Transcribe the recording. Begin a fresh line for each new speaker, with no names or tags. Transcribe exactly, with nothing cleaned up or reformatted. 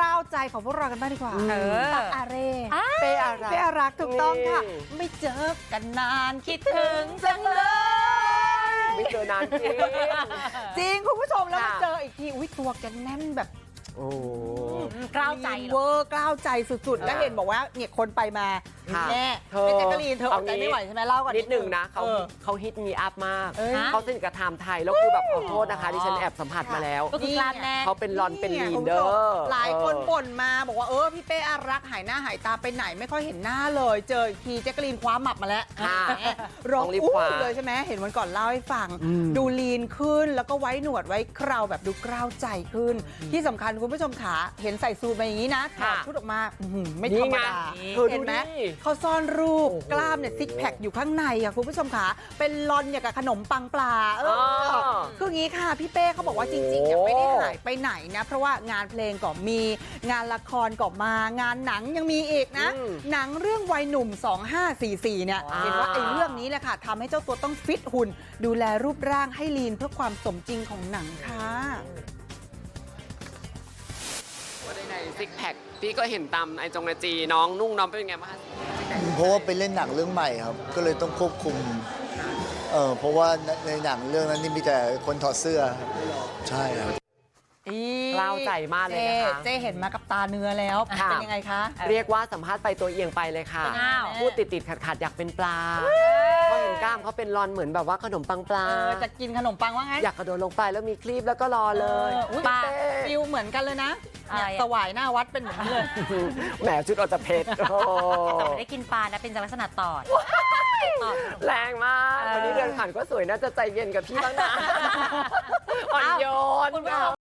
ล้าวใจของพวกเรากันบ้างดีกว่า
เออ
ตักอาเร่
เป้อารัก
เป้อารักถูกต้องค่ะ
นี่
ไม่เจอกันนานคิดถึงจังเลย
ไม่เจอนานจริง
จริงคุณผู้ชมแล้วมา
ค่ะ
เจออีกทีอุ้ยตัวแกแน่นแบบ
โอ้
กล้าวใจ
เวอร์กล้าวใจสุดๆ แล้วเห็นบอกว่าเนี่ยคนไปมา
ค่ะ
แน่
เธอ
เป็นแจ๊กกะลีนเธออดใจ
เอางี้
ไม่ไหวใช่ไหมเล่าก่อน
นิดหนึ่งนะเขา
ออ
เขาฮิตมีอัพมาก
เอ้ย
เขาสนิทกับไทม์ไทย แล้วคือแบบขอโทษนะคะดิฉันแอบสัมผัสมาแล้ว
ก็คือกล้ามแน่น
เขาเป็นรอนเป็นลีน
คุณ
เด
ผู้
อ
ชม
ร์
หลายคนบ่นมาบอกว่าเออพี่เป้อารักษ์หายหน้าหายตาไปไหนไม่ค่อยเห็นหน้าเลย เจออีกทีแจ๊กกะลีนคว้าหมับมาแล้ว
ค่ะ
แหมร้อง
ต้องรีบ
อู้
คว้า
เลยใช่ไหมเห็นวันก่อนเล่าให้ฟัง
อืม
ดูลีนขึ้นแล้วก็ไว้หนวดไว้เคราวแบบดูกล้าวใจขึ้น ที่สำคัญคุณผู้ชมขาเห็นใส่ซูทมาอย่างนี้นะถอดชุดออกมาอื้อหือไม่ธรรมดา
นี่ไงเธอดู
เห็นไหม
ดิ
เขาซ่อนรูป
โอ้โห
กล้ามเนี่ยซิกแพคอยู่ข้างในอะคุณผู้ชมขาเป็นลอนอย่างกับขนมปังปลาเออ
อ๋อ
คืออย่างนี้ค่ะพี่เป้เขาบอกว่าจริงๆเนี่ยไม่ได้หายไปไหนนะ เพราะว่างานเพลงก็มีงานละครก็มางานหนังยังมีอีกนะ
อืม
หนังเรื่องวัยหนุ่ม สองห้าสี่สี่ เนี่ย
อ่า
เห็นว่าไอ้เรื่องนี้แหละค่ะทำให้เจ้าตัวต้องฟิตหุ่น ดูแลรูปร่างให้ลีนเพื่อความสมจริงของหนังค่ะ
ว่าได้ในซิกแพคพี่ก็เห็นตามไอจงไอจีน้องนุ่งน้องเป็นไงบ้างคะ
เพราะว่าไปเล่นหนังเรื่องใหม่ครับ ก็เลยต้องควบคุม เออเพราะว่าในหนังเรื่องนั้นนี่มีแต่คนถอดเสื้อครับใช่ครับ
กล้าวใจมากเลยนะคะ
เจ๊เห็นมากับตาเนื้อแล้ว
ค่ะ
เป็นยังไงคะ
เรียกว่าสัมภาษณ์ไปตัวเอียงไปเลยค่ะ
อ้าว
พูดติดติดขัดขัดๆอยากเป็นปลาเพราะเห็นกล้ามเขาเป็นรอนเหมือนแบบว่าขนมปังปลา
เออจะกินขนมปังว่าไง
อยากกระโดดลงไปแล้วมีคลีปแล้วก็รอเลย
อออุ๊ย
ป้า
ฟิลเหมือนกันเลยนะเนี่ย
อะไรอะ
สวายหน้าวัดเป็นเหมือนกันเลย
แหมชุดออกจะเพชรโอ้
แต่ไม่ได้กินปลานะเป็นลักษณะตอดตอด
แรงมาก
เออ
วันนี้เดินผ่านก็สวยน่าจะใจเย็นกับพี่บ้างนะอ่อนโยน
คุณผู้ชม